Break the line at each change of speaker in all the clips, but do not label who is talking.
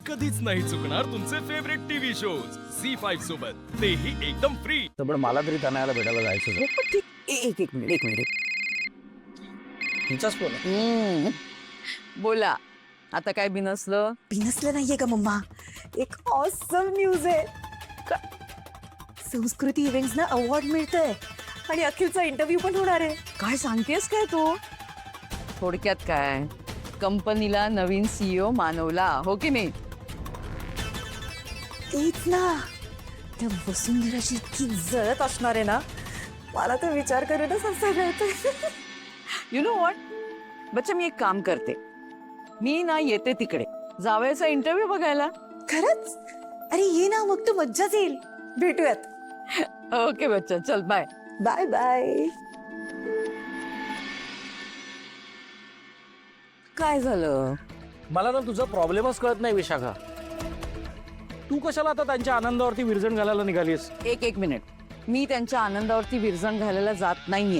कधीच नाही चुकणार तुमचे फेवरेट टीव्ही शोज C5 सोबत, तेही एकदम फ्री.
तर पण मला तरी तनयाला भेटायला जायचं होतं.
पण एक एक मिनिट एक मिनिट
तिचाच फोन आहे.
बोला आता काय बिनसलं
बिनसलं नाहीये का मम्मा, एक ऑसम न्यूज आहे. संस्कृती इव्हेंट्स ना अवॉर्ड मिळतंय आणि अखिलचा इंटरव्ह्यू पण होणार आहे.
काय सांगतेस काय तू थोडक्यात काय कंपनीला नवीन CEO मानवला हो की नाही
तेच ना, त्या वसुंधराची इतकी जळत असणार आहे ना, मला तर विचार करूनच हसायला येतंय.
यु नो व्हॉट बच्चा मी एक काम करते मी ना येते तिकडे जावयाचा इंटरव्ह्यू बघायला
खरंच? अरे ये ना, मग तर मज्जाच येईल. भेटूयात.
ओके बच्चा चल बाय
बाय बाय.
काय झालं
मला ना तुझा प्रॉब्लेमच कळत नाही विशाखा. तू कशाला आता त्यांच्या आनंदावरती विरजण घालायला निघालीस?
एक मिनिट मी त्यांच्या आनंदावरती विरजण घालायला जात नाहीये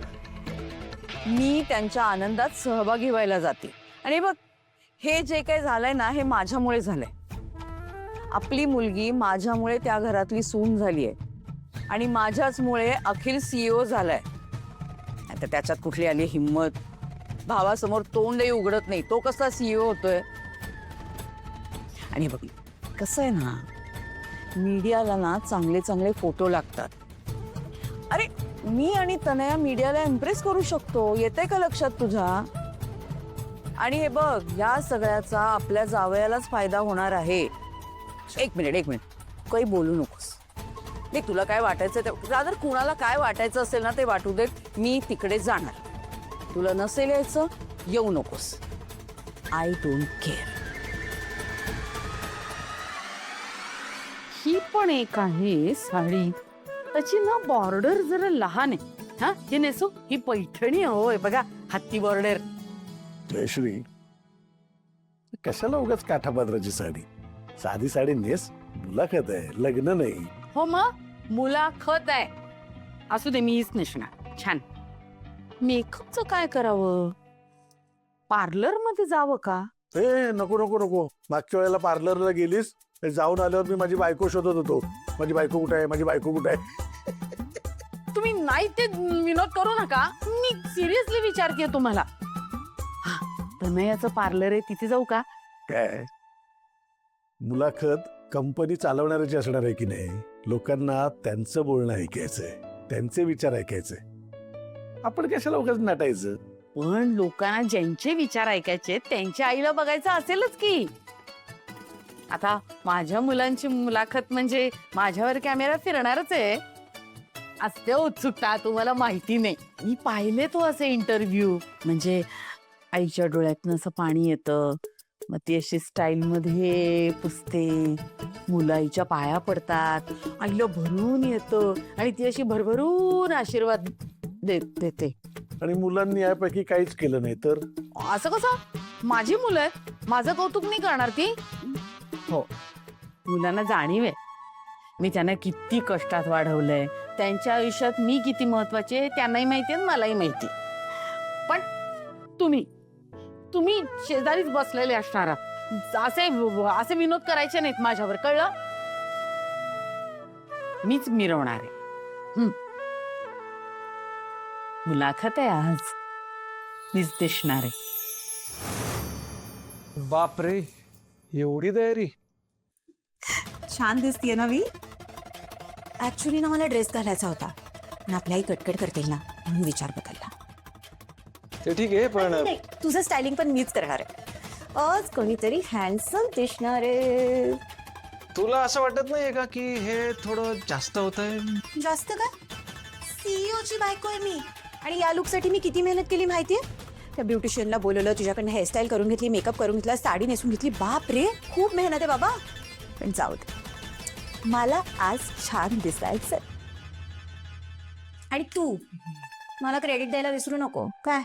मी त्यांच्या आनंदात सहभागी व्हायला जाते. आणि बघ हे जे काही झालंय ना हे माझ्यामुळे झालंय. आपली मुलगी माझ्यामुळे त्या घरातली सून झालीये आणि माझ्याचमुळे अखिल CEO झालाय. आता त्याच्यात कुठली आली हिम्मत. भावासमोर तोंडही उघडत नाही, तो कसा CEO होतोय. आणि बघ कसं आहे ना मीडियाला ना चांगले चांगले फोटो लागतात. अरे मी आणि तनया मीडियाला इम्प्रेस करू शकतो, येते का लक्षात तुझ्या? आणि हे बघ या सगळ्याचा आपल्या जावयालाच फायदा होणार आहे. एक मिनिट काही बोलू नकोस. देख तुला काय वाटायचं ते रादर कुणाला काय वाटायचं असेल ना ते वाटू देत. मी तिकडे जाणार. तुला नसेल यायचं येऊ नकोस. I don't care.
ही पण एक आहे साडी त्याची ना बॉर्डर जरा लहान आहे. हा हे नेसो ही पैठणी होय बघा हत्ती बॉर्डर.
जयश्री, कशाला उगाच काठापात्राची साडी? साधी साडी नेस. मुलाखत आहे, लग्न नाही.
हो मग मुलाखत आहे. असू दे मी हीच नेसणार. छान. मेकअपचं काय करावं? पार्लर मध्ये जावं का?
ए नको नको नको. मागच्या वेळेला पार्लरला गेलीस, जाऊन आल्यावर मी माझी बायको शोधत होतो. माझी बायको कुठे आहे, माझी बायको कुठे आहे.
तुम्ही नाही ते विनोद करू नका. मी सिरियसली विचारते तुम्हाला. हा तनयाचं पार्लर आहे तिथे जाऊ का?
काय मुलाखत कंपनी चालवणाऱ्याची असणार आहे की नाही? लोकांना त्यांचं बोलणं ऐकायचंय, त्यांचे विचार ऐकायचे. आपण कशाला उगाच नटायचं?
पण लोकांना ज्यांचे विचार ऐकायचे त्यांच्या आईला बघायचं असेलच की. आता माझ्या मुलांची मुलाखत म्हणजे माझ्यावर कॅमेरा फिरणारच आहे. असते उत्सुकता तुम्हाला माहिती नाही. मी पाहिले तो असे इंटरव्ह्यू म्हणजे आईच्या डोळ्यातनं असं पाणी येतं मग ती अशी स्टाईल मध्ये पुसते. मुलं आईच्या पाया पडतात, आईला भरून येतं आणि ती अशी भरभरून आशीर्वाद देते.
आणि मुलांनी यापैकी काहीच केलं नाही तर?
असं कसं? माझी मुलं आहेत, माझं कौतुक नाही करणार ती? हो मुलांना जाणीव आहे मी त्यांना किती कष्टात वाढवलंय. त्यांच्या आयुष्यात मी किती महत्वाची आहे त्यांनाही माहिती आहे मलाही माहिती. पण तुम्ही तुम्ही शेजारीच बसलेले असणार असे असे विनोद करायचे नाहीत माझ्यावर, कळलं? मीच मिरवणार आहे. मुलाखत आहे आज, मीच दिसणार आहे.
बापरे एवढी तयारी?
छान दिसतीये ना मी. ऍक्च्युली ना मला ड्रेस घालायचा होता पण आपली आई कटकट करतील ना म्हणून विचार बदलला.
ते ठीक आहे पण
नाही, तुझं स्टायलिंग पण मीच करणार आहे. आज कोणीतरी हँडसम दिसणार आहे.
तुला असं वाटत नाहीये का की हे थोडं जास्त होत आहे?
जास्त काय? CEO ची बायको आहे मी आणि या लुकसाठी मी किती मेहनत केली माहितीये. त्या ब्युटिशियनला बोलवलं, तुझ्याकडनं हेअरस्टाईल करून घेतली, मेकअप करून घेतला, साडी नेसून घेतली. बाप रे खूप मेहनत आहे बाबा. पण जाऊ दे, मला आज छान दिसायचं. आणि तू मला क्रेडिट द्यायला विसरू नको काय.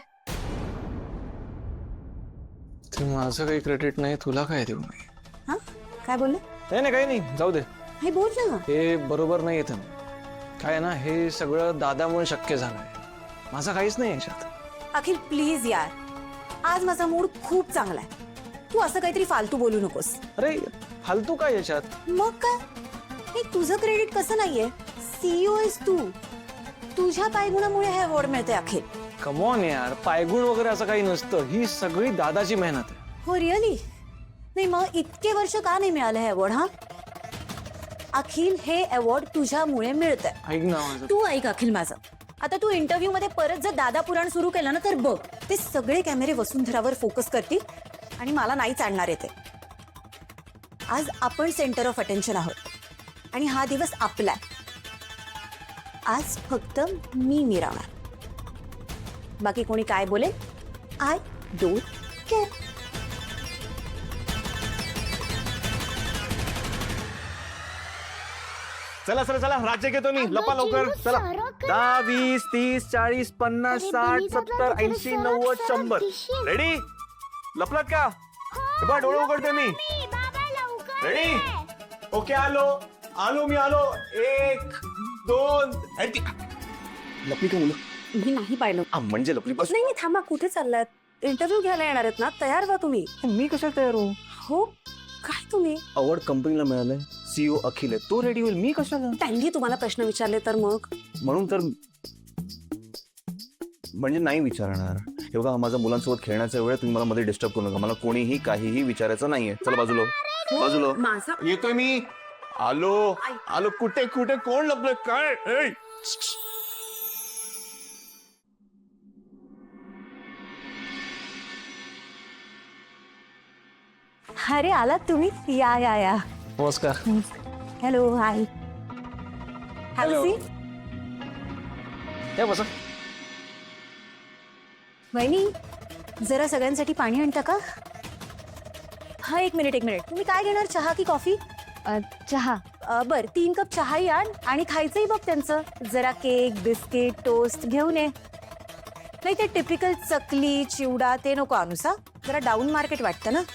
ते माझं काही क्रेडिट नाही, तुला काय देऊ मी?
हा काय बोलले?
नाही काही नाही, जाऊ दे.
हे बोल ना.
हे बरोबर नाही येत. काय ना हे सगळं दादामुळे शक्य झालंय, माझा काहीच नाही याच्यात.
अखिल प्लीज यार, आज माझा मूड खूप चांगला आहे. तू असं काहीतरी फालतू बोलू नकोस.
अरे फालतू काय याच्यात?
मग काय, हे तुझं क्रेडिट कसं नाहीये? सीईओ आहेस तू. तुझ्या पायगुणामुळे हे अवॉर्ड मिळते अखिल.
कमॉन यार, पायगुण वगैरे असं काही नसतं. ही सगळी दादाची मेहनत आहे.
हो रिअली? नाही मग इतके वर्ष का नाही मिळालं हे अवॉर्ड? हा अखिल, हे अवॉर्ड तुझ्यामुळे मिळतंय.
ऐक ना माझं.
तू ऐक अखिल माझं. आता तू इंटरव्ह्यू मध्ये परत जर दादा पुराण सुरू केलं ना तर बघ, ते सगळे कॅमेरे वसुंधरावर फोकस करतील आणि मला नाही चालणार आहे ते. आज आपण सेंटर ऑफ अटेन्शन आहोत आणि हा दिवस आपला आहे. आज फक्त मी मिरावणार. बाकी कोणी काय बोले, आय डोंट केअर.
चला चला चला, राज्य घेतो मी. लपा लवकर चला. 10, 20, 30, 40, 50, 60, 70, 80, 90, 100. रेडी? लपलात का? हे बघ, डोळे उघडते मी. रेडी? ओके, आलो मी. 1, 2. लपली का मुलं?
मी नाही पाहिलं.
म्हणजे लपली बस.
नाही थांबा, कुठे चाललात? इंटरव्ह्यू घ्यायला येणार आहेत ना, तयार व्हा तुम्ही.
मी कशाला तयार हो?
हो काय तुम्ही?
अवॉर्ड कंपनीला मिळालंय. सीईओ अखिल आहे, तो रेडी होईल. मी कशाला?
त्यांनी तुम्हाला प्रश्न विचारले तर मग?
म्हणून तर म्हणजे नाही विचारणार. हे बघा, माझा मुलांसोबत खेळण्याचा वेळ, तुम्ही मला मध्ये डिस्टर्ब करू नका. मला कोणीही काहीही विचारायचं नाहीये. चला बाजूला.
माझा
येतोय मी. आलो. कुठे कोण लपलं काय? ए!
अरे आलात तुम्ही? या.
नमस्कार.
Hello, hi.
Hello. या बसा.
वहिनी, जरा सगळ्यांसाठी पाणी आणता का? हा, एक मिनिट. तुम्ही काय घेणार, चहा की कॉफी?
चहा.
बर, 3 कप चहाही आण आणि खायचंही बघ त्यांचं. जरा केक, बिस्किट, टोस्ट घेऊन ये. नाही ते टिपिकल चकली, चिवडा ते नको आणूसा. जरा डाऊन मार्केट वाटतं ना.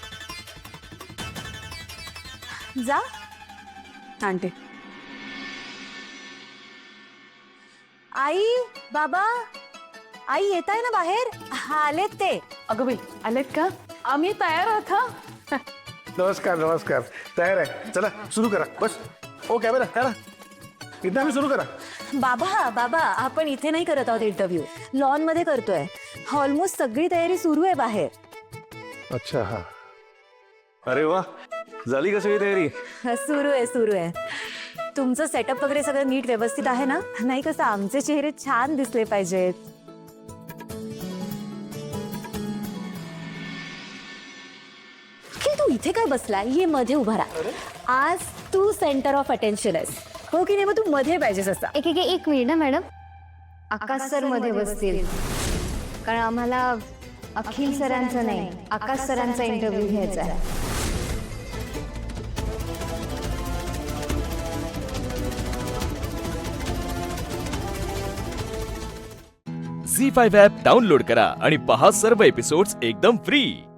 जा, आणते. आई, बाबा, आई येत आहे ना बाहेर? हा, आलेत ते.
अगं बाई, आलेत का? आम्ही तयार आहोत हा.
नमस्कार. तयार आहे. चला सुरू करा. बस. ओ कॅमेरा करा. इथं आम्ही सुरू करा.
बाबा, आपण इथे नाही करत आहोत इंटरव्ह्यू, लॉन मध्ये करतोय. ऑलमोस्ट सगळी तयारी सुरू आहे बाहेर.
अच्छा, हा.
अरे वा, झाली का सगळी तयारी?
सुरू आहे. तुमचं सेटअप वगैरे सगळं नीट व्यवस्थित आहे ना? नाही कसं आमचे चेहरे छान दिसले पाहिजेत. तू इथे काय बसला? ये मध्ये उभा राहा. आज तू सेंटर ऑफ अटेन्शन आहेस, हो की नाही? मग तू मध्ये पाहिजेस असा.
एक मिनिट ना मॅडम. आकाश सर मध्ये बसतील, कारण आम्हाला अखिल सरांचा नाही, आकाश सरांचा इंटरव्ह्यू घ्यायचा आहे.
झी 5 ॲप डाउनलोड करा आणि पहा सर्व एपिसोड्स एकदम फ्री.